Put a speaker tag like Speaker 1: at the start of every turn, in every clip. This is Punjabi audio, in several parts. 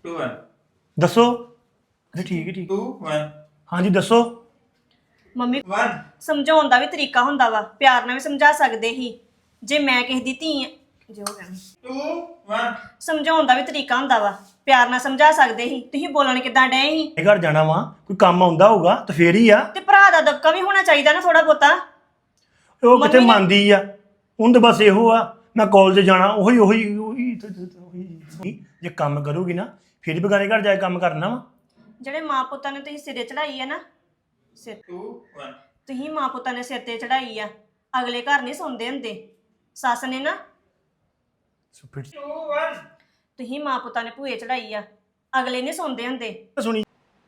Speaker 1: 2 1
Speaker 2: ਦੱਸੋ ਅਰੇ ਠੀਕ ਹੈ ਠੀਕ
Speaker 1: 2 1
Speaker 2: ਹਾਂਜੀ ਦੱਸੋ
Speaker 3: ਮੰਮੀ
Speaker 1: 1
Speaker 3: ਸਮਝਾਉਣ ਦਾ ਵੀ ਤਰੀਕਾ ਹੁੰਦਾ ਵਾ ਪਿਆਰ ਨਾਲ ਵੀ ਸਮਝਾ ਸਕਦੇ ਹੀ ਜੇ ਮੈਂ ਕਿਸੇ ਦੀ ਧੀ ਜੋ ਕਹਿੰਦੀ
Speaker 1: 2 1
Speaker 3: ਸਮਝਾਉਣ ਦਾ ਵੀ ਤਰੀਕਾ ਹੁੰਦਾ ਵਾ ਪਿਆਰ ਨਾਲ ਸਮਝਾ ਸਕਦੇ ਸੀ ਤੁਸੀਂ ਬੋਲਣ ਕਿਦਾਂ ਡਏ ਸੀ
Speaker 2: ਇਹ ਘਰ ਜਾਣਾ ਵਾ ਕੋਈ ਕੰਮ ਆਉਂਦਾ ਹੋਊਗਾ ਤਾਂ ਫੇਰ ਹੀ ਆ
Speaker 3: ਤੇ ਭਰਾ ਦਾ ਦਬਕਾ ਵੀ ਹੋਣਾ ਚਾਹੀਦਾ ਨਾ ਥੋੜਾ ਬਹੁਤਾ
Speaker 2: ਉਹ ਕਿਤੇ
Speaker 3: ਮੰਮੀ ਨੇ-
Speaker 2: ਮੰਨਦੀ ਆ ਉਹਨੂੰ ਤਾਂ ਬਸ ਇਹੋ ਆ ਮੈਂ ਕਾਲਜ ਜਾਣਾ ਉਹੀ ਜੇ ਕੰਮ ਕਰੂਗੀ ਨਾ ਫਿਰ ਹੀ ਬਗਾਨੇ ਘਰ ਜਾ ਕੇ ਕੰਮ ਕਰਨਾ ਵਾ
Speaker 3: ਜਿਹੜੇ ਮਾਂ ਪੁੱਤਾਂ ਨੇ ਤੁਸੀਂ ਸਿਰੇ ਚੜਾਈ ਆ ਨਾ ਸਿਰ
Speaker 1: 2 1
Speaker 3: ਤੁਸੀਂ ਮਾਂ ਪੁੱਤਾਂ ਨੇ ਸਿਰ ਤੇ ਚੜਾਈ ਆ ਅਗਲੇ ਘਰ ਨਹੀਂ ਸੌਂਦੇ ਹੁੰਦੇ ਸੱਸ ਨੇ ਨਾ
Speaker 1: 2 1
Speaker 3: ਤੁਸੀਂ ਮਾਂ ਪੁੱਤਾਂ ਨੇ ਭੂਏ ਚੜਾਈ ਆ ਅਗਲੇ ਨਹੀਂ ਸੌਂਦੇ ਹੁੰਦੇ
Speaker 2: ਸੁਣੀ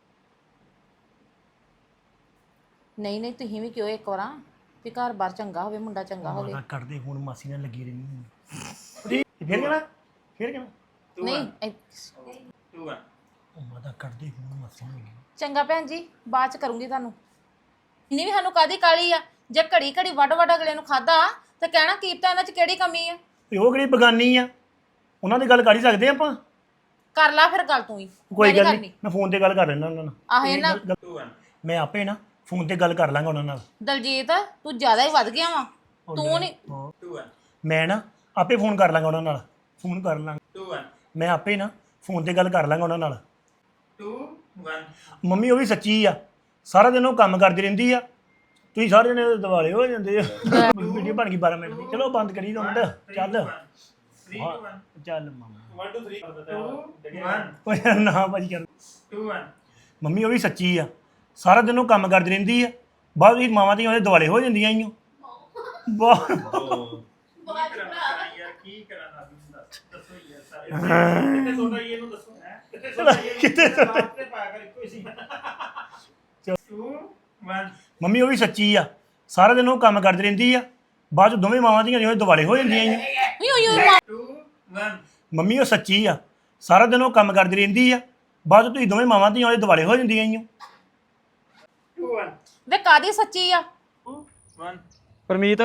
Speaker 4: ਨਹੀਂ ਨਹੀਂ ਤੁਸੀਂ ਵੀ ਕਿਉਂ ਇੱਕ ਵਾਰਾਂ ਵੀ ਘਰ ਬਾਰ ਚੰਗਾ ਹੋਵੇ ਮੁੰਡਾ ਚੰਗਾ ਹੋਵੇ
Speaker 2: ਕੱਢਦੇ ਹੁਣ ਮਾਸੀ ਨਾਲ ਲੱਗੀ ਰਹਿੰਦੀ ਫੇਰ ਕਹਿਣਾ
Speaker 4: ਨਹੀਂ
Speaker 1: 2 1
Speaker 2: ਉਹ ਮਾਦਾ ਕੱਢਦੇ ਹੁਣ ਮਾਸੀ ਨਾਲ
Speaker 4: ਚੰਗਾ ਭੈਣ ਜੀ ਬਾਅਦ ਚ ਕਰੂੰਗੀ ਤੁਹਾਨੂੰ ਇੰਨੀ ਵੀ ਸਾਨੂੰ ਕਾਦੀ ਕਾਲੀ ਆ ਜੇ ਘੜੀ ਘੜੀ ਵੱਡ ਵੱਡ ਅਗਲੇ ਨੂੰ ਖਾਦਾ ਤੇ ਕਹਿਣਾ ਕੀਪਤਾ ਇਹਨਾਂ ਚ ਕਿਹੜੀ ਕਮੀ ਆ
Speaker 2: ਤੇ ਉਹ ਕਿਹੜੀ ਬਗਾਨੀ ਆ ਉਹਨਾਂ ਦੀ ਗੱਲ ਕਰ ਹੀ ਸਕਦੇ ਆਪਾਂ
Speaker 4: ਕਰ ਲਾ ਫਿਰ ਗੱਲ ਤੂੰ ਹੀ
Speaker 2: ਕੋਈ
Speaker 4: ਮੈਂ ਨੀ
Speaker 2: ਗੱਲ
Speaker 4: ਕਰਨੀ।
Speaker 2: ਨਹੀਂ ਮੈਂ ਫੋਨ ਤੇ ਗੱਲ ਕਰ ਲੈਣਾ ਉਹਨਾਂ ਨਾਲ
Speaker 4: ਆਹ ਇਹ ਨਾ
Speaker 1: 2 1
Speaker 2: ਮੈਂ ਆਪੇ ਨਾ ਫੋਨ ਤੇ ਗੱਲ ਕਰ ਲਾਂਗਾ ਉਹਨਾਂ ਨਾਲ
Speaker 4: ਦਲਜੀਤ ਤੂੰ ਜ਼ਿਆਦਾ ਹੀ ਵੱਧ ਗਿਆ ਵਾ ਤੂੰ ਨਹੀਂ
Speaker 1: 2 1
Speaker 2: ਮੈਂ ਨਾ ਆਪੇ ਫੋਨ ਕਰ ਲਾਂਗਾ ਉਹਨਾਂ ਨਾਲ ਫੋਨ ਕਰ ਲਾਂਗਾ
Speaker 1: 2 1
Speaker 2: ਮੈਂ ਆਪੇ ਨਾ ਫੋਨ ਤੇ ਗੱਲ ਕਰ ਲਾਂਗਾ ਉਹਨਾਂ ਨਾਲ
Speaker 1: 2 1
Speaker 2: ਮੰਮੀ ਉਹ ਵੀ ਸੱਚੀ ਆ ਸਾਰਾ ਦਿਨ ਉਹ ਕੰਮ ਕਰਦੀ ਰਹਿੰਦੀ ਆ ਤੁਸੀਂ ਸਾਰੇ ਜਣੇ ਦਿਵਾਲੇ ਹੋ ਜਾਂਦੇ ਆ ਵੀਡੀਓ ਬਣ ਗਈ 12 ਮਿੰਟ ਦੀ ਚਲੋ ਬੰਦ ਕਰੀ ਦੋ ਮਿੰਟ ਚੱਲ
Speaker 1: 3 2 1
Speaker 2: ਚੱਲ ਮਾਮਾ
Speaker 1: 1 2 3 2 1
Speaker 2: ਓਏ ਯਾਰ ਨਾ ਭਾਜੀ ਕਰ
Speaker 1: 2 1
Speaker 2: ਮੰਮੀ ਉਹ ਵੀ ਸੱਚੀ ਆ ਸਾਰਾ ਦਿਨ ਉਹ ਕੰਮ ਕਰਦੀ ਰਹਿੰਦੀ ਆ ਬਾਅਦ ਵਿੱਚ ਮਾਵਾਂ ਦੀਆਂ ਉਹਦੇ ਦਿਵਾਲੇ ਹੋ ਜਾਂਦੀਆਂ ਈਓ ਵਾਹ
Speaker 1: ਯਾਰ ਕੀ ਕਰਾਂ ਨਾ ਦੱਸੋ ਯਾਰ ਸਾਰੇ ਕਿੱਥੇ ਸੋਣਾ ਇਹਨੂੰ ਦੱਸੋ ਕਿੱਥੇ ਸੋਣਾ
Speaker 2: ਕਿੱਥੇ ਸੁੱਟਾ?
Speaker 1: ਤੇ ਪਾਇਆ ਕਰ ਇੱਕੋ ਹੀ ਸੀ 2 1
Speaker 2: ਮੰਮੀ ਉਹ ਵੀ ਸੱਚੀ ਆ ਸਾਰਾ ਦਿਨ ਉਹ ਕੰਮ ਕਰਦੀ ਰਹਿੰਦੀ ਆ ਬਾਅਦ ਚ ਦੋਵੇਂ ਮਾਵਾਂ ਦੀਆਂ ਉਹਦੇ ਦਿਵਾਲੇ ਹੋ ਜਾਂਦੀਆਂ ਈਓ
Speaker 1: 2 1
Speaker 2: ਮੰਮੀ ਉਹ ਸੱਚੀ ਆ ਸਾਰਾ ਦਿਨ ਉਹ ਕੰਮ ਕਰਦੀ ਰਹਿੰਦੀ ਆ ਬਾਅਦ ਚ ਤੁਸੀਂ ਦੋਵੇਂ ਮਾਵਾਂ ਦੀਆਂ ਉਹਦੇ ਦਿਵਾਲੇ ਹੋ ਜਾਂਦੀਆਂ ਈਓ
Speaker 1: 2 1
Speaker 4: ਵੇ ਕਾਦੀ ਸੱਚੀ ਆ
Speaker 1: 1
Speaker 5: ਪਰਮੀਤ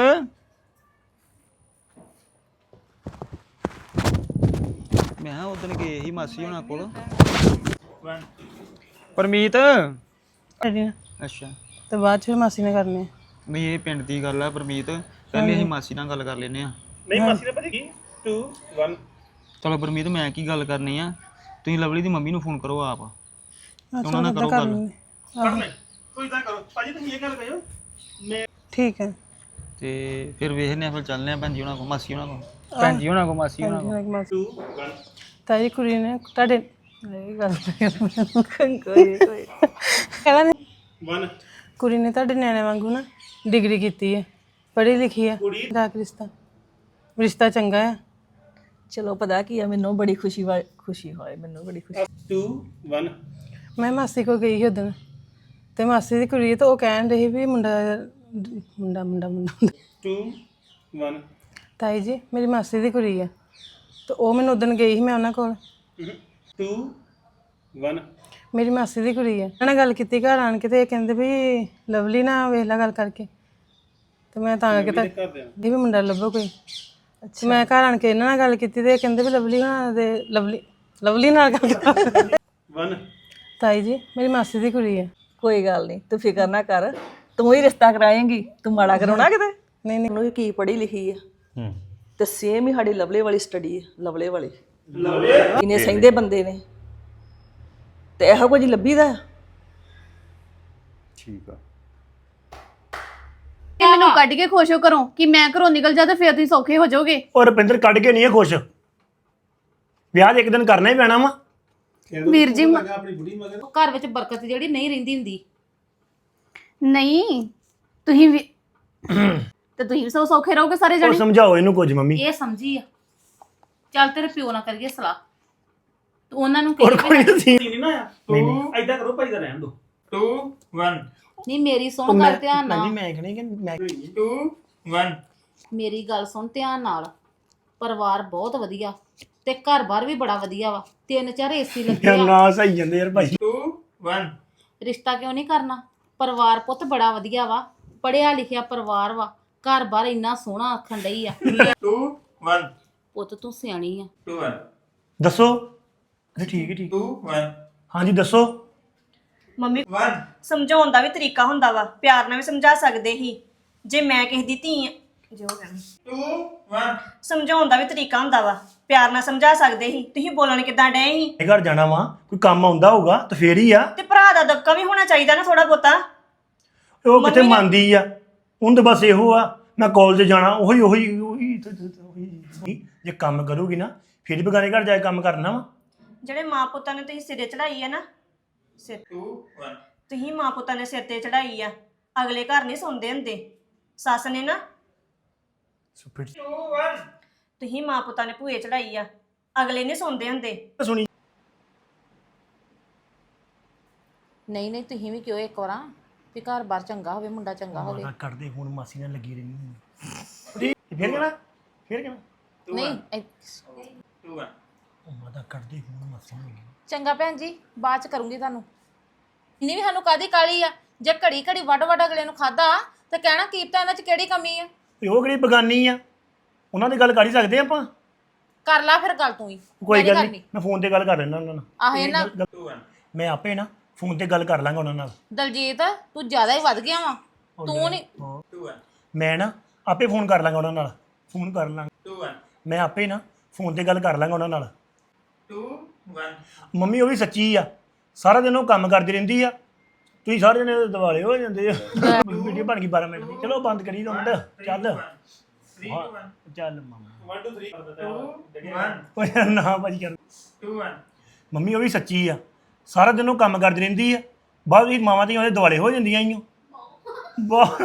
Speaker 5: ਮੈਂ ਉਦੋਂ ਗਏ ਸੀ ਮਾਸੀ ਹੋਣਾ ਕੋਲ
Speaker 1: 1
Speaker 5: ਪਰਮੀਤ
Speaker 6: ਕਰਨੀ
Speaker 5: ਅੱਛਾ
Speaker 6: ਤੇ ਬਾਅਦ ਚ ਫਿਰ ਮਾਸੀ ਨੇ ਕਰਨੇ
Speaker 5: ਵੀ ਇਹ ਪਿੰਡ ਦੀ ਗੱਲ ਆ ਪਰਮੀਤ ਪਹਿਲੇ ਅਸੀਂ ਮਾਸੀ ਨਾਲ ਗੱਲ ਕਰ ਲੈਨੇ ਆ
Speaker 2: ਨਹੀਂ ਮਾਸੀ ਨੇ ਭਾਜੀ 2 1
Speaker 5: ਚਲੋ ਪਰਮੀਤ ਮੈਂ ਕੀ ਗੱਲ ਕਰਨੀ ਆ ਤੁਸੀਂ ਲਵਲੀ ਦੀ ਮੰਮੀ ਨੂੰ ਫੋਨ ਕਰੋ ਆਪ ਉਹਨਾਂ ਨਾਲ
Speaker 6: ਅੱਛਾ
Speaker 5: ਕਰੋ
Speaker 6: ਕਰ
Speaker 5: ਗੱਲ
Speaker 6: ਲੈਂਦੇ
Speaker 2: ਕੋਈ ਤਾਂ ਕਰੋ ਭਾਜੀ ਤੁਸੀਂ ਇਹ ਗੱਲ ਕਹਿਓ
Speaker 6: ਠੀਕ ਹੈ
Speaker 5: ਤੇ ਫਿਰ ਵੇਖਨੇ ਆ ਫਿਰ ਚੱਲਨੇ ਆ ਭੈਣ ਜੀ ਉਹਨਾਂ ਕੋਲ ਮਾਸੀ ਉਹਨਾਂ ਕੋਲ ਭੈਣ ਜੀ ਉਹਨਾਂ ਕੋਲ ਮਾਸੀ ਉਹਨਾਂ ਕੋਲ
Speaker 2: 2 1
Speaker 6: ਤਾਈ ਕੁੜੀ ਨੇ ਤੁਹਾਡੇ ਇਹ ਗੱਲ ਕੋਈ ਕਹਿੰਦਾ ਨੀ,
Speaker 2: 1
Speaker 6: ਕੁੜੀ ਨੇ ਤੁਹਾਡੇ ਨਿਆਣੇ ਵਾਂਗੂ ਨਾ ਡਿਗਰੀ ਕੀਤੀ ਹੈ ਪੜ੍ਹੀ ਲਿਖੀ ਹੈ ਦਾ ਰਿਸ਼ਤਾ ਚੰਗਾ ਹੈ
Speaker 7: ਚਲੋ ਪਤਾ ਕੀ ਆ ਮੈਨੂੰ ਬੜੀ ਖੁਸ਼ੀ ਹੋਈ ਮੈਨੂੰ ਬੜੀ ਖੁਸ਼ੀ
Speaker 2: 2 1
Speaker 6: ਮੈਂ ਮਾਸੀ ਕੋਲ ਗਈ ਸੀ ਉਦੋਂ ਤੇ ਮਾਸੀ ਦੀ ਕੁੜੀ ਤਾਂ ਉਹ ਕਹਿਣ ਰਹੀ ਵੀ ਮੁੰਡਾ ਮੁੰਡਾ ਮੁੰਡਾ ਮੁੰਡਾ
Speaker 2: 2 1
Speaker 6: ਤਾਈ ਜੀ ਮੇਰੀ ਮਾਸੀ ਦੀ ਕੁੜੀ ਹੈ ਤੇ ਉਹ ਮੈਨੂੰ ਉਦੋਂ ਗਈ ਸੀ ਮੈਂ ਉਹਨਾਂ ਕੋਲ
Speaker 2: 2 1
Speaker 6: ਮੇਰੀ ਮਾਸੀ ਦੀ ਕੁੜੀ ਹੈ ਉਹਨਾਂ ਨਾਲ ਗੱਲ ਕੀਤੀ ਘਰ ਆਣ ਕੇ ਤੇ ਇਹ ਕਹਿੰਦੇ ਵੀ ਲਵਲੀ ਨਾ ਵੇਖ ਲੈ ਗੱਲ ਕਰਕੇ ਤੇ ਮੈਂ ਤਾਂ ਕਰਕੇ ਤਾਂ ਵੀ ਮੁੰਡਾ ਲੱਭੋ ਕੋਈ ਅੱਛਾ ਮੈਂ ਘਰ ਆਣ ਕੇ ਇਹਨਾਂ ਨਾਲ ਗੱਲ ਕੀਤੀ ਤੇ ਇਹ ਕਹਿੰਦੇ ਵੀ ਲਵਲੀ ਨਾਲ ਦੇ ਲਵਲੀ ਨਾਲ ਗੱਲ ਕਰ
Speaker 2: 1
Speaker 6: ਤਾਈ ਜੀ ਮੇਰੀ ਮਾਸੀ ਦੀ ਕੁੜੀ ਹੈ
Speaker 7: ਕੋਈ ਗੱਲ ਨਹੀਂ ਤੂੰ ਫਿਕਰ ਨਾ ਕਰ ਤੂੰ ਹੀ ਰਿਸ਼ਤਾ ਕਰਾਏਂਗੀ ਤੂੰ ਮਾੜਾ ਕਰਾਉਣਾ ਕਿਤੇ
Speaker 6: ਨਹੀਂ ਨਹੀਂ
Speaker 7: ਉਹਨੂੰ ਕੀ ਪੜ੍ਹੀ ਲਿਖੀ ਆ ਤੇ ਸੇਮ ਹੀ ਸਾਡੀ ਲਵਲੇ ਵਾਲੀ ਸਟੱਡੀ ਹੈ ਲਵਲੇ ਵਾਲੀ ਇਹਨੇ ਸਹਿੰਦੇ ਬੰਦੇ ਨੇ ਤੇ ਇਹੋ ਕੁਝ ਲੱਭੀਦਾ
Speaker 2: ਠੀਕ ਆ
Speaker 8: ਕਿ ਮੈਨੂੰ ਕੱਢ ਕੇ ਖੁਸ਼ ਹੋ ਕਰੋ ਕਿ ਮੈਂ ਘਰੋਂ ਨਿਕਲ ਜਾ ਤੇ ਫਿਰ ਤੁਸੀਂ ਸੌਖੇ ਹੋ ਜਾਓਗੇ
Speaker 2: ਔਰ ਰੁਪਿੰਦਰ ਕੱਢ ਕੇ ਨਹੀਂ ਹੈ ਖੁਸ਼ ਵਿਆਹ ਇੱਕ ਦਿਨ ਕਰਨਾ ਹੀ ਪੈਣਾ ਵਾ
Speaker 8: ਵੀਰ ਜੀ
Speaker 4: ਘਰ ਵਿੱਚ ਬਰਕਤ ਜਿਹੜੀ ਨਹੀਂ ਰਹਿੰਦੀ ਹੁੰਦੀ
Speaker 8: ਨਹੀਂ ਤੁਸੀਂ ਵੀ ਤੇ ਤੁਸੀਂ ਵੀ ਸੌਖੇ ਰਹੋਗੇ ਸਾਰੇ
Speaker 2: ਉਹ
Speaker 8: ਜਣੇ
Speaker 2: ਸਮਝਾਓ ਇਹਨੂੰ ਕੁਝ ਮੰਮੀ
Speaker 4: ਇਹ ਸਮਝੀ ਆ ਚੱਲ ਤੇਰੇ ਪਿਓ ਨਾਲ ਕਰੀਏ ਸਲਾਹ ਤੂੰ ਉਹਨਾਂ ਨੂੰ
Speaker 2: ਔਰ
Speaker 4: ਕਹੀ
Speaker 2: ਕੋਈ ਨਹੀਂ
Speaker 1: ਨਹੀਂ ਨਾ ਐਦਾਂ ਕਰੋ ਭਾਈ ਦਾ ਰਹਿਣ ਦੋ 2 1
Speaker 4: ਨਹੀਂ ਮੇਰੀ ਸੁਣ ਗੱਲ ਧਿਆਨ
Speaker 2: ਮੈਂ
Speaker 4: ਨਾਲ
Speaker 2: ਮੈਂ ਕਹਣੀ ਕਿ ਮੈਂ
Speaker 1: 2 1
Speaker 4: ਮੇਰੀ ਗੱਲ ਸੁਣ ਧਿਆਨ ਨਾਲ ਪਰਿਵਾਰ ਬਹੁਤ ਵਧੀਆ ਤੇ ਘਰ-ਬਾਰ ਵੀ ਬੜਾ ਵਧੀਆ ਵਾ 3-4 ਏਸੀ ਲੱਗੇ ਆ
Speaker 2: ਨਾ ਸਹੀ ਜਾਂਦੇ ਯਾਰ ਭਾਈ
Speaker 1: 2 1
Speaker 4: ਰਿਸ਼ਤਾ ਕਿਉਂ ਨਹੀਂ ਕਰਨਾ ਪਰਿਵਾਰ ਪੁੱਤ ਬੜਾ ਵਧੀਆ ਵਾ ਪੜਿਆ ਲਿਖਿਆ ਪਰਿਵਾਰ ਵਾ ਘਰ-ਬਾਰ ਇੰਨਾ ਸੋਹਣਾ ਆਖਣ ਡਈ ਆ
Speaker 1: 2 1
Speaker 4: ਪੁੱਤ ਤੂੰ ਸਿਆਣੀ ਆ
Speaker 1: 2 1
Speaker 2: ਦੱਸੋ ਠੀਕ ਹੈ ਠੀਕ
Speaker 1: 2 1
Speaker 2: ਹਾਂਜੀ ਦੱਸੋ
Speaker 3: ਮੰਮੀ
Speaker 1: 1
Speaker 3: ਸਮਝਾਉਣ ਦਾ ਵੀ ਤਰੀਕਾ ਹੁੰਦਾ ਵਾ ਪਿਆਰ ਨਾਲ ਵੀ ਸਮਝਾ ਸਕਦੇ ਸੀ ਜੇ ਮੈਂ ਕਿਸੇ ਦੀ ਧੀ ਆ ਜੋ ਕਹਿਣਾ
Speaker 1: 2 1
Speaker 3: ਸਮਝਾਉਣ ਦਾ ਵੀ ਤਰੀਕਾ ਹੁੰਦਾ ਵਾ ਪਿਆਰ ਨਾਲ ਸਮਝਾ ਸਕਦੇ ਸੀ ਤੁਸੀਂ ਬੋਲਣ ਕਿਦਾਂ ਡਏ ਸੀ
Speaker 2: ਇਹ ਘਰ ਜਾਣਾ ਵਾ ਕੋਈ ਕੰਮ ਆਉਂਦਾ ਹੋਊਗਾ ਤਾਂ ਫੇਰ ਹੀ ਆ
Speaker 3: ਤੇ ਭਰਾ ਦਾ ਦਬਕਾ ਵੀ ਹੋਣਾ ਚਾਹੀਦਾ ਨਾ ਥੋੜਾ ਬਹੁਤਾ
Speaker 2: ਉਹ ਕਿੱਥੇ ਮੰਨਦੀ ਆ ਉਹਨੂੰ ਤਾਂ ਬਸ ਇਹੋ ਆ ਮੈਂ ਕਾਲਜ ਜਾਣਾ ਉਹੀ ਜੇ ਕੰਮ ਕਰੂਗੀ ਨਾ ਫਿਰ ਬਗਾਨੇ ਘਰ ਜਾ ਕੇ ਕੰਮ ਕਰਨਾ ਵਾ
Speaker 3: ਜਿਹੜੇ ਮਾਂ ਪੁੱਤਾਂ ਨੇ ਤੁਸੀਂ ਸਿਰੇ ਚੜਾਈ ਆ ਨਾ ਸਿਰ
Speaker 1: 2 1
Speaker 3: ਤੁਸੀਂ ਮਾਂ ਪੁੱਤਾਂ ਨੇ ਸਿਰ ਤੇ ਚੜਾਈ ਆ ਅਗਲੇ ਘਰ ਨਹੀਂ ਸੌਂਦੇ ਹੁੰਦੇ ਸੱਸ ਨੇ ਨਾ
Speaker 1: 2 1
Speaker 3: ਤੁਸੀਂ ਮਾਂ ਪੁੱਤਾਂ ਨੇ ਭੂਏ ਚੜਾਈ ਆ ਅਗਲੇ ਨਹੀਂ ਸੌਂਦੇ ਹੁੰਦੇ
Speaker 2: ਸੁਣੀ
Speaker 4: ਨਹੀਂ ਨਹੀਂ ਤੁਸੀਂ ਵੀ ਕਿਉਂ ਇੱਕ ਵਾਰਾਂ ਵੀ ਘਰ-ਬਾਰ ਚੰਗਾ ਹੋਵੇ ਮੁੰਡਾ ਚੰਗਾ ਹੋਵੇ
Speaker 2: ਮਾਤਾ ਕੱਢਦੇ ਹੁਣ ਮਾਸੀ ਨਾਲ ਲੱਗੀ ਰਹਿੰਦੀ ਫੇਰ ਕਹਿਣਾ
Speaker 4: ਨਹੀਂ
Speaker 1: 2 1
Speaker 2: ਉਹ ਮਾਤਾ ਕੱਢਦੇ ਹੁਣ ਮਾਸੀ ਨਾਲ ਲੱਗੀ
Speaker 4: ਚੰਗਾ ਭੈਣ ਜੀ ਬਾਅਦ ਚ ਕਰੂੰਗੀ ਤੁਹਾਨੂੰ ਇੰਨੀ ਵੀ ਸਾਨੂੰ ਕਾਦੀ ਕਾਲੀ ਆ ਜੇ ਘੜੀ ਘੜੀ ਵੱਡ ਅਗਲੇ ਨੂੰ ਖਾਦਾ ਤੇ ਕਹਿਣਾ ਕੀਪਤਾ ਇਹਨਾਂ ਚ ਕਿਹੜੀ ਕਮੀ ਆ
Speaker 2: ਤੇ ਉਹ ਕਿਹੜੀ ਬਗਾਨੀ ਆ ਉਹਨਾਂ ਦੀ ਗੱਲ ਕਰ ਹੀ ਸਕਦੇ ਆਪਾਂ
Speaker 4: ਕਰ ਲਾ ਫਿਰ ਗੱਲ ਤੂੰ ਹੀ
Speaker 2: ਕੋਈ ਗੱਲ ਨਹੀਂ ਮੈਂ ਫੋਨ ਤੇ ਗੱਲ ਕਰ ਲੈਣਾ ਉਹਨਾਂ ਨਾਲ
Speaker 4: ਆਹ ਇਹਨਾਂ
Speaker 1: 2 1
Speaker 2: ਮੈਂ ਆਪੇ ਨਾ ਫੋਨ ਤੇ ਗੱਲ ਕਰ ਲਾਂਗਾ ਉਹਨਾਂ ਨਾਲ
Speaker 4: ਦਲਜੀਤ ਤੂੰ ਜ਼ਿਆਦਾ ਹੀ ਵੱਧ ਗਿਆ ਵਾ ਤੂੰ ਨਹੀਂ
Speaker 1: 2 1
Speaker 2: ਮੈਂ ਨਾ ਆਪੇ ਫੋਨ ਕਰ ਲਾਂਗਾ ਉਹਨਾਂ ਨਾਲ ਫੋਨ ਕਰ ਲਾਂਗਾ
Speaker 1: 2 1
Speaker 2: ਮੈਂ ਆਪੇ ਨਾ ਫੋਨ ਤੇ ਗੱਲ ਕਰ ਲਾਂਗਾ ਉਹਨਾਂ ਨਾਲ
Speaker 1: 2 1
Speaker 2: ਮੰਮੀ ਉਹ ਵੀ ਸੱਚੀ ਆ ਸਾਰਾ ਦਿਨ ਉਹ ਕੰਮ ਕਰਦੀ ਰਹਿੰਦੀ ਆ ਤੁਸੀਂ ਸਾਰੇ ਜਣੇ ਦਿਵਾਲੇ ਹੋ ਜਾਂਦੇ ਆ ਵੀਡੀਓ ਬਣ ਗਈ 12 ਮਿੰਟ ਦੀ ਚਲੋ ਬੰਦ ਕਰੀ ਦੋ ਮਿੰਟ ਚੱਲ
Speaker 1: 3 2 1
Speaker 2: ਚੱਲ ਮਾਮਾ
Speaker 1: 1 2 3 2 1
Speaker 2: ਓਏ ਯਾਰ ਨਾ ਭਾਜੀ ਕਰ
Speaker 1: 2 1
Speaker 2: ਮੰਮੀ ਉਹ ਵੀ ਸੱਚੀ ਆ ਸਾਰਾ ਦਿਨ ਉਹ ਕੰਮ ਕਰਦੀ ਰਹਿੰਦੀ ਆ ਬਾਅਦ ਵਿੱਚ ਮਾਵਾਂ ਦੀਆਂ ਉਹਦੇ ਦਿਵਾਲੇ ਹੋ ਜਾਂਦੀਆਂ ਈਓ ਵਾਹ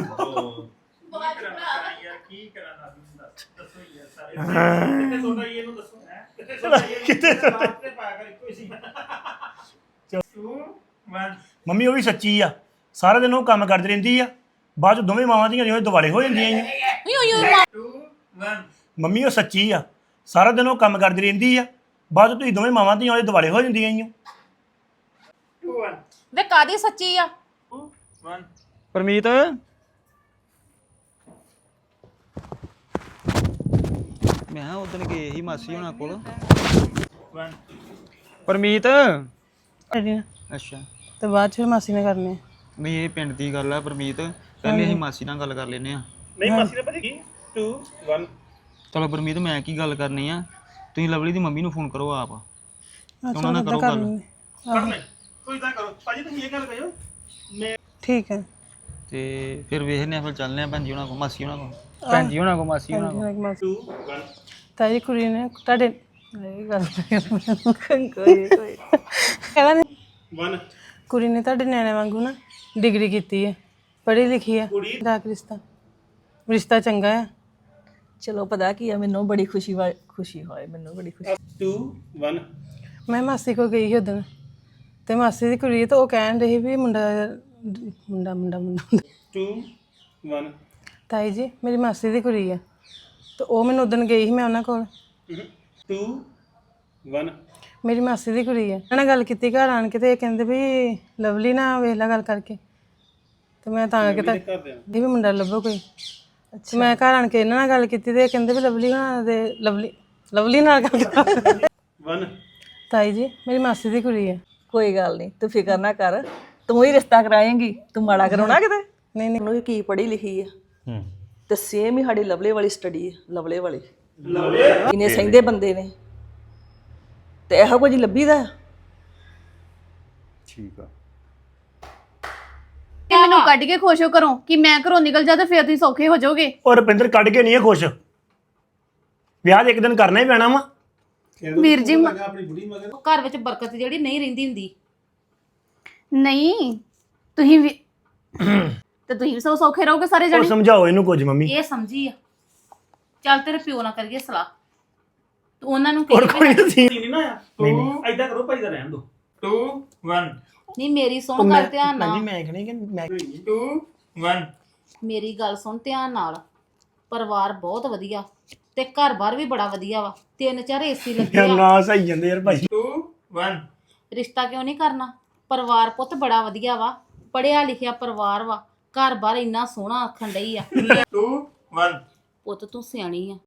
Speaker 1: ਯਾਰ ਕੀ ਕਰਾਂ ਨਾ ਦੱਸੋ ਯਾਰ ਸਾਰੇ ਕਿੱਥੇ ਸੋਣਾ ਇਹਨੂੰ ਦੱਸੋ ਕਿੱਥੇ ਸੋਣਾ
Speaker 2: ਕਿੱਥੇ ਸੋਣਾ?
Speaker 1: ਤੇ ਪਾਇਆ ਕਰ ਇੱਕੋ ਹੀ ਸੀ 2 1
Speaker 2: ਮੰਮੀ ਉਹ ਵੀ ਸੱਚੀ ਆ ਸਾਰਾ ਦਿਨ ਉਹ ਕੰਮ ਕਰਦੀ ਰਹਿੰਦੀ ਆ ਬਾਅਦ ਚ ਦੋਵੇਂ ਮਾਵਾਂ ਦੀਆਂ ਉਹਦੇ ਦਿਵਾਲੇ ਹੋ ਜਾਂਦੀਆਂ ਈਓ
Speaker 1: 2 1
Speaker 2: ਮੰਮੀ ਉਹ ਸੱਚੀ ਆ ਸਾਰਾ ਦਿਨ ਉਹ ਕੰਮ ਕਰਦੀ ਰਹਿੰਦੀ ਆ ਬਾਅਦ ਚ ਤੁਸੀਂ ਦੋਵੇਂ ਮਾਵਾਂ ਦੀਆਂ ਉਹਦੇ ਦਿਵਾਲੇ ਹੋ ਜਾਂਦੀਆਂ ਈਓ
Speaker 1: 2 1
Speaker 4: ਵੇ ਕਾਦੀ ਸੱਚੀ ਆ
Speaker 1: 2 1
Speaker 5: ਪਰਮੀਤ ਮੈਂ ਉਦੋਂ ਗਏ ਸੀ ਮਾਸੀ ਹੁਣਾਂ ਕੋਲ
Speaker 1: 1
Speaker 5: ਪਰਮੀਤ
Speaker 6: ਤੇ
Speaker 5: ਅੱਛਾ
Speaker 6: ਬਾਅਦ ਚ ਫਿਰ ਮਾਸੀ ਨੇ ਕਰਨੇ ਆ।
Speaker 5: ਨਹੀਂ ਇਹ ਪਿੰਡ ਦੀ ਗੱਲ ਆ ਪਰਮੀਤ ਪਹਿਲੇ ਅਸੀਂ ਮਾਸੀ ਨਾਲ ਗੱਲ ਕਰ ਲੈਨੇ ਆ
Speaker 1: ਨਹੀਂ ਮਾਸੀ ਨੇ ਪਤਾ ਕੀ 2 1
Speaker 5: ਚਲੋ ਪਰਮੀਤ ਮੈਂ ਕੀ ਗੱਲ ਕਰਨੀ ਆ ਤੁਸੀਂ ਲਵਲੀ ਦੀ ਮੰਮੀ ਨੂੰ ਫੋਨ ਕਰੋ ਆਪ ਉਹਨਾਂ ਨਾਲ ਕਰੋ
Speaker 6: ਕਰ
Speaker 5: ਗੱਲ
Speaker 6: ਲੈਂਦੇ।
Speaker 1: ਕਰ ਲੈ ਕੋਈ ਇਦਾਂ ਕਰੋ ਭਾਜੀ ਤੁਸੀਂ ਇਹ ਗੱਲ ਕਹੋ ਮੈਂ
Speaker 6: ਠੀਕ ਹੈ
Speaker 5: ਤੇ ਫਿਰ ਵੇਖਨੇ ਆ ਫਿਰ ਚੱਲਨੇ ਆ ਭੈਣ ਜੀ ਉਹਨਾਂ ਕੋਲ ਮਾਸੀ ਉਹਨਾਂ ਕੋਲ ਭੈਣ ਜੀ ਉਹਨਾਂ ਕੋਲ ਮਾਸੀ ਉਹਨਾਂ ਕੋਲ
Speaker 1: 2 1
Speaker 6: ਤਾਈ ਕੁੜੀ ਨੇ ਤੁਹਾਡੇ ਇਹ ਗੱਲ ਕੋਈ ਕਹਿੰਦਾ ਨੇ
Speaker 1: 1
Speaker 6: ਕੁੜੀ ਨੇ ਤੁਹਾਡੇ ਨਿਆਣੇ ਵਾਂਗੂ ਨਾ ਡਿਗਰੀ ਕੀਤੀ ਹੈ ਪੜ੍ਹੀ ਲਿਖੀ ਹੈ ਦਾ ਰਿਸ਼ਤਾ ਚੰਗਾ ਹੈ
Speaker 7: ਚਲੋ ਪਤਾ ਕੀ ਆ ਮੈਨੂੰ ਬੜੀ ਖੁਸ਼ੀ ਹੋਏ ਮੈਨੂੰ ਬੜੀ ਖੁਸ਼ੀ
Speaker 1: 2 1
Speaker 6: ਮੈਂ ਮਾਸੀ ਕੋਲ ਗਈ ਸੀ ਉਦੋਂ ਤੇ ਮਾਸੀ ਦੀ ਕੁੜੀ ਤੇ ਉਹ ਕਹਿਣ ਰਹੀ ਵੀ ਮੁੰਡਾ
Speaker 1: 2 1
Speaker 6: ਤਾਈ ਜੀ ਮੇਰੀ ਮਾਸੀ ਦੀ ਕੁੜੀ ਆ ਤੇ ਉਹ ਮੈਨੂੰ ਉਦੋਂ ਗਈ ਸੀ ਮੈਂ ਉਹਨਾਂ ਕੋਲ
Speaker 1: 2 1
Speaker 6: ਮੇਰੀ ਮਾਸੀ ਦੀ ਕੁੜੀ ਆ ਉਹਨਾਂ ਨਾਲ ਗੱਲ ਕੀਤੀ ਘਰ ਆਣ ਕੇ ਤੇ ਇਹ ਕਹਿੰਦੇ ਵੀ ਲਵਲੀ ਨਾ ਵੇਖ ਲੈ ਗੱਲ ਕਰਕੇ ਤੇ ਮੈਂ ਤਾਂ ਕਰਕੇ ਤਾਂ ਇਹ ਵੀ ਮੁੰਡਾ ਲੱਭੋ ਕੋਈ ਅੱਛਾ ਮੈਂ ਘਰ ਆਣ ਕੇ ਇਹਨਾਂ ਨਾਲ ਗੱਲ ਕੀਤੀ ਤੇ ਇਹ ਕਹਿੰਦੇ ਵੀ ਲਵਲੀ ਨਾਲ ਗੱਲ ਕਰ
Speaker 1: 1
Speaker 6: ਤਾਈ ਜੀ ਮੇਰੀ ਮਾਸੀ ਦੀ ਕੁੜੀ ਆ
Speaker 7: ਕੋਈ ਗੱਲ ਨਹੀਂ ਤੂੰ ਫਿਕਰ ਨਾ ਕਰ ਤੂੰ ਹੀ ਰਿਸ਼ਤਾ ਕਰਾਏਂਗੀ ਤੂੰ ਮਾੜਾ ਕਰਾਉਣਾ ਕਿਤੇ
Speaker 6: ਨਹੀਂ
Speaker 7: ਉਹਨੂੰ ਕੀ ਪੜ੍ਹੀ ਲਿਖੀ ਆ ਤੇ ਸੇਮ ਹੀ ਸਾਡੀ ਲਵਲੇ ਵਾਲੀ ਸਟੱਡੀ ਹੈ ਲਵਲੇ ਵਾਲੀ ਇਹਨੇ ਸਹਿੰਦੇ ਬੰਦੇ ਨੇ ਤੇ ਇਹੋ ਕੁਝ ਲੱਭੀਦਾ
Speaker 2: ਠੀਕ ਆ
Speaker 8: ਕਿ ਮੈਨੂੰ ਕੱਢ ਕੇ ਖੁਸ਼ ਹੋ ਕਰੋ ਕਿ ਮੈਂ ਘਰੋਂ ਨਿਕਲ ਜਾ ਤੇ ਫਿਰ ਤੁਸੀਂ ਸੌਖੇ ਹੋ ਜਾਓਗੇ
Speaker 2: ਔਰ ਰੁਪਿੰਦਰ ਕੱਢ ਕੇ ਨਹੀਂ ਹੈ ਖੁਸ਼ ਵਿਆਹ ਤੇ ਇੱਕ ਦਿਨ ਕਰਨਾ ਹੀ ਪੈਣਾ ਵਾ
Speaker 8: ਵੀਰ ਜੀ
Speaker 4: ਘਰ ਵਿੱਚ ਬਰਕਤ ਜਿਹੜੀ ਨਹੀਂ ਰਹਿੰਦੀ ਹੁੰਦੀ
Speaker 8: ਨਹੀਂ ਤੁਸੀਂ ਵੀ ਤੇ ਤੁਸੀਂ ਵੀ ਸੌਖੇ ਰਹੋਗੇ ਸਾਰੇ
Speaker 2: ਉਹ
Speaker 8: ਜਣੇ
Speaker 2: ਸਮਝਾਓ ਇਹਨੂੰ ਕੁਝ ਮੰਮੀ
Speaker 4: ਇਹ ਸਮਝੀ ਆ ਚੱਲ ਤੇਰੇ ਪਿਓ ਨਾਲ ਕਰੀਏ ਸਲਾਹ ਤੂੰ ਉਹਨਾਂ ਨੂੰ
Speaker 2: ਔਰ
Speaker 4: ਕਹੀ
Speaker 2: ਕੋਈ ਨਹੀਂ
Speaker 1: ਨਹੀਂ ਨਾ ਆ ਤੂੰ ਐਦਾਂ ਕਰੋ ਭਾਈ ਦਾ ਰਹਿਣ ਦੋ 2 1
Speaker 4: ਨਹੀਂ ਮੇਰੀ ਸੁਣ ਗੱਲ ਧਿਆਨ ਨਾਲ
Speaker 2: ਮੈਂ ਕਹਿੰਦੀ ਕਿ ਮੈਂ
Speaker 1: 2 1
Speaker 4: ਮੇਰੀ ਗੱਲ ਸੁਣ ਧਿਆਨ ਨਾਲ ਪਰਿਵਾਰ ਬਹੁਤ ਵਧੀਆ ਤੇ ਘਰ-ਬਾਰ ਵੀ ਬੜਾ ਵਧੀਆ ਵਾ 3-4 ਏਸੀ ਲੱਗੇ ਆ
Speaker 2: ਨਾ ਸਹੀ ਜਾਂਦੇ ਯਾਰ ਭਾਈ
Speaker 1: 2 1
Speaker 4: ਰਿਸ਼ਤਾ ਕਿਉਂ ਨਹੀਂ ਕਰਨਾ ਪਰਿਵਾਰ ਪੁੱਤ ਬੜਾ ਵਧੀਆ ਵਾ ਪੜਿਆ ਲਿਖਿਆ ਪਰਿਵਾਰ ਵਾ ਘਰ-ਬਾਰ ਇੰਨਾ ਸੋਹਣਾ ਆਖਣ ਡਈ ਆ
Speaker 1: 2 1
Speaker 4: ਪੁੱਤ ਤੂੰ ਸਿਆਣੀ ਆ